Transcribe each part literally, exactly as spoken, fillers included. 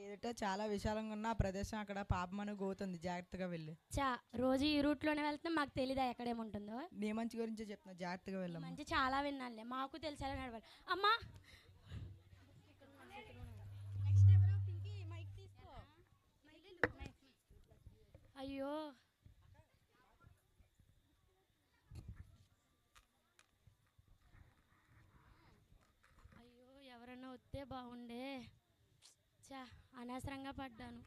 ఎదుట చాలా విశాలంగా ఉన్న ఆ ప్రదేశం అక్కడ పాపమను గోతుంది, జాగ్రత్తగా వెళ్ళి. చా రోజు ఈ రూట్లోనే వెళ్తే మాకు తెలీదా ఎక్కడేముంటుందో. నీ మంచి గురించే చెప్తున్నా, జాగ్రత్తగా వెళ్ళాము. మంచి చాలా విన్నానులే, మాకు తెలిసేలా నడవాలి. అమ్మా అయ్యో అయ్యో ఎవరన్నా వస్తే బాగుండే. చా అనవసరంగా పడ్డాను.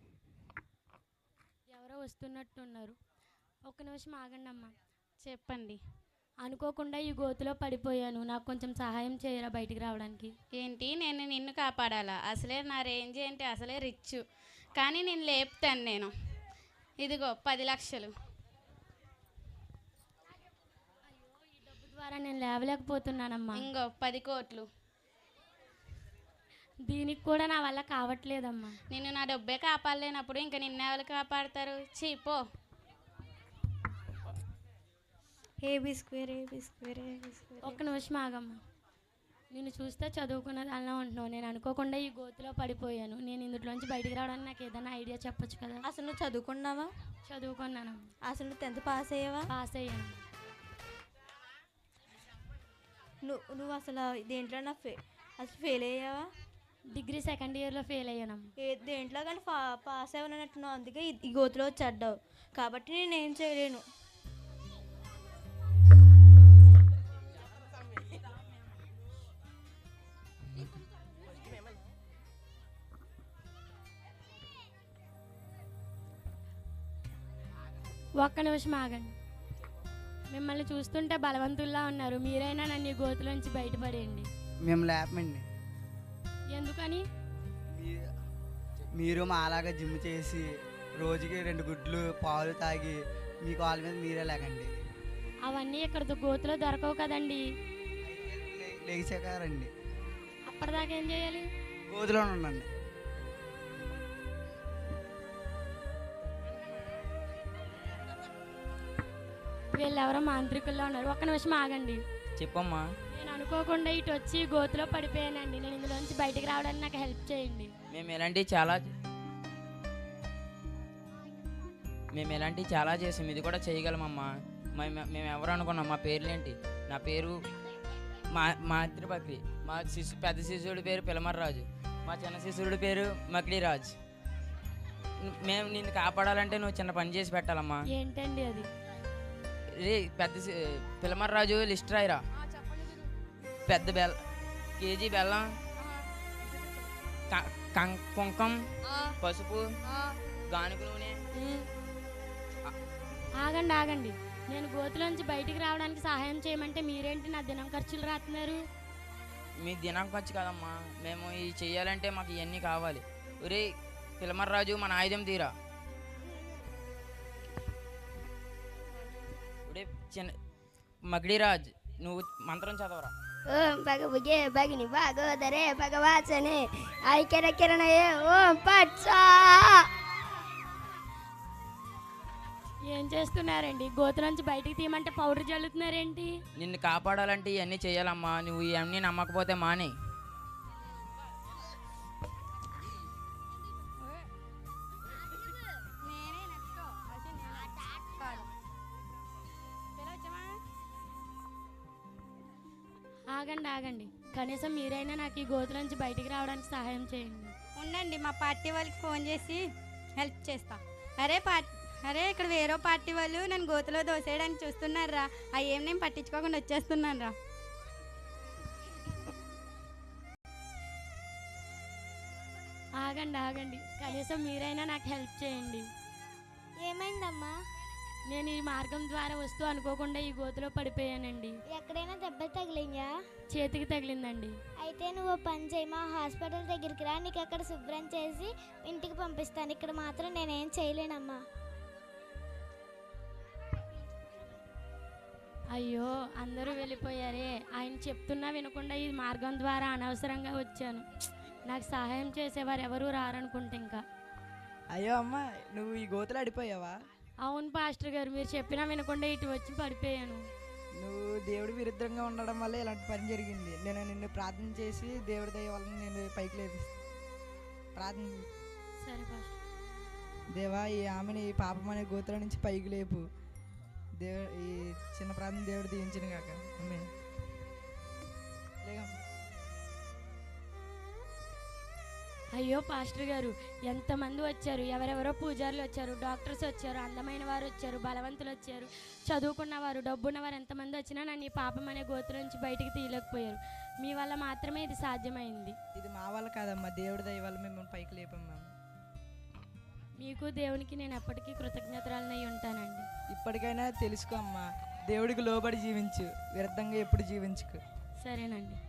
ఎవరో వస్తున్నట్టున్నారు. ఒక్క నిమిషం ఆగండి అమ్మా. చెప్పండి. అనుకోకుండా ఈ గోతులో పడిపోయాను, నాకు కొంచెం సహాయం చేయరా బయటికి రావడానికి? ఏంటి, నేను నిన్ను కాపాడాలా? అసలే నా రేంజ్ ఏంటి, అసలే రిచ్. కానీ నేను లేపుతాను. నేను ఇదిగో పది లక్షలు. అయ్యో ఈ డబ్బు ద్వారా నేను లేవలేకపోతున్నానమ్మా. ఇంకో పది కోట్లు. దీనికి కూడా నా వల్ల కావట్లేదమ్మా. నిన్ను నా డబ్బే కాపాడలేనప్పుడు ఇంకా నిన్నెవరు కాపాడతారు? చీపో. AB square AB square AB square. ఒక్క నిమిషం ఆగమ్మా. నేను చూస్తే చదువుకున్నది అలా ఉంటున్నావు. నేను అనుకోకుండా ఈ గోతులో పడిపోయాను. నేను ఇందులోంచి బయటికి రావడానికి నాకు ఏదైనా ఐడియా చెప్పొచ్చు కదా? అసలు నువ్వు చదువుకున్నావా? చదువుకున్నాను. అసలు నువ్వు టెన్త్ పాస్ అయ్యావా? పాస్ అయ్యాను. నువ్వు నువ్వు అసలు దేంట్లో నా ఫే అసలు ఫెయిల్ అయ్యావా? డిగ్రీ సెకండ్ ఇయర్లో ఫెయిల్ అయ్యానమ్మా. ఏ దేంట్లో కానీ ఫా పాస్ అవ్వనట్టున్నావు. అందుకే ఈ- ఈ గోతులో వచ్చి అడ్డావు. కాబట్టి నేనేం చేయలేను. ఒక్క నిమిషం ఆగండి. మిమ్మల్ని చూస్తుంటే బలవంతుల్లా ఉన్నారు. మీరైనా నన్ను ఈ గోతులోంచి బయటపడేయండి. మేము లేపమండి. ఎందుకని? మీ- మీరు మా అలాగా జిమ్ చేసి రోజుకి రెండు గుడ్లు పాలు తాగి మీ కాళ్ళ మీద మీరే లేకండి. అవన్నీ ఇక్కడ గోతులో దొరకవు కదండి. లేచాక రండి. అప్పటిదాకా ఏం చేయాలి? గోతులోనే ఉండండి. వీళ్ళెవరో మాంత్రికుల్లో ఉన్నారు. ఒక్క నిమిషం ఆగండి. చెప్పమ్మా. నేను అనుకోకుండా ఇటు వచ్చి గోతులో పడిపోయానండి. నేను ఇందులోంచి బయటికి రావడానికి నాకు హెల్ప్ చేయండి. మేము ఎలాంటివి చాలా మేము ఎలాంటివి చాలా చేసాం, ఇది కూడా చేయగలమమ్మా. మేము మేము ఎవరు అనుకున్నాం? మా పేర్లేంటి? నా పేరు మా మాతృపక్రి. మా శిశు పెద్ద శిశువుడి పేరు పిలమర్రాజు. మా చిన్న శిశువుడి పేరు మకిడిరాజ్. మేము నిన్ను కాపాడాలంటే నువ్వు చిన్న పని చేసి పెట్టాలమ్మా. ఏంటండి అది? రే పెద్ద పిలమర్రాజు లిస్ట్ రాయిరా. పెద్ద బెల్ల కేజీ బెల్లం, కుంకం, పసుపు, గానుగ నూనె. ఆగండి ఆగండి. నేను గోతులోంచి బయటికి రావడానికి సహాయం చేయమంటే మీరేంటి నా దినం ఖర్చులు రాస్తున్నారు? మీ దినం ఖర్చు కదమ్మా, మేము ఇది చెయ్యాలంటే మాకు ఇవన్నీ కావాలి. ఒరే పిలమర్రాజు, మన ఆయుధం తీరా. ఒరే చిన్న మకిడిరాజ్, నువ్వు మంత్రం చదవరా. ఓం భగభుజే భగిని భాగోదరే భగవాచనే ఐక్యర కిరణయే ఓం పట్సా. ఏం చేస్తున్నారండి? గోతులోంచి బయటికి తీయమంటే పౌడర్ జల్లుతున్నారేంటి? నిన్ను కాపాడాలంటే ఇవన్నీ చెయ్యాలమ్మా. నువ్వు ఇవన్నీ నమ్మకపోతే మానే. ఆగండి ఆగండి. కనీసం మీరైనా నాకు ఈ గోతులోంచి బయటికి రావడానికి సహాయం చేయండి. ఉండండి, మా పార్టీ వాళ్ళకి ఫోన్ చేసి హెల్ప్ చేస్తా. అరే పార్టీ అరే ఇక్కడ వేరే పార్టీ వాళ్ళు నన్ను గోతులో దోసేయడానికి చూస్తున్నారా? అవి ఏం నేను పట్టించుకోకుండా వచ్చేస్తున్నాను రా. ఆగండి ఆగండి. కనీసం మీరైనా నాకు హెల్ప్ చేయండి. ఏమైందమ్మా? నేను ఈ మార్గం ద్వారా వస్తూ అనుకోకుండా ఈ గోతులో పడిపోయానండి. ఎక్కడైనా దెబ్బ తగిలిందా? చేతికి తగిలిందండి. అయితే నువ్వు ఓ పని చేయి, మా హాస్పిటల్ దగ్గరికి రా, నీకు అక్కడ శుభ్రం చేసి ఇంటికి పంపిస్తాను. ఇక్కడ మాత్రం నేనేం చేయలేనమ్మా. అయ్యో అందరూ వెళ్ళిపోయారే. ఆయన చెప్తున్నా వినకుండా ఈ మార్గం ద్వారా అనవసరంగా వచ్చాను. నాకు సహాయం చేసేవారు ఎవరూ రారనుకుంటే ఇంకా. అయ్యో అమ్మ, నువ్వు ఈ గోతులో అడిపోయావా? అవును పాస్టర్ గారు, మీరు చెప్పినా వినకుండా ఇటు వచ్చి పడిపోయాను. నువ్వు దేవుడి విరుద్ధంగా ఉండడం వల్ల ఇలాంటి పని జరిగింది. నేను నిన్ను ప్రార్థన చేసి దేవుడి దయ వల్ల నేను పైకి లేపిస్తాను. ప్రార్థన. సరే పాస్టర్. దేవా, ఈ ఆమెని ఈ పాపం అనే గోత్రం నుంచి పైకి లేపు. దేవ ఈ చిన్న ప్రార్థన దేవుడు దీవించిన కాక. ఆమేన్. లేగమ్మ. అయ్యో పాస్టర్ గారు, ఎంతమంది వచ్చారు, ఎవరెవరో పూజారులు వచ్చారు, డాక్టర్స్ వచ్చారు, అందమైన వారు వచ్చారు, బలవంతులు వచ్చారు, చదువుకున్నవారు, డబ్బున్నవారు, ఎంతమంది వచ్చినా నన్ను ఈ పాపం అనే గోత్రం నుంచి బయటికి తీయలేకపోయారు. మీ వల్ల మాత్రమే ఇది సాధ్యమైంది. ఇది మా వల్ల కాదమ్మా, దేవుడి దయ వల్ల మిమ్మల్ని పైకి లేపమ్మా. మీకు దేవునికి నేను ఎప్పటికీ కృతజ్ఞతరాలనై ఉంటానండి. ఇప్పటికైనా తెలుసుకో అమ్మా, దేవుడికి లోబడి జీవించు, వ్యర్థంగా ఎప్పుడు జీవించుకు. సరేనండి.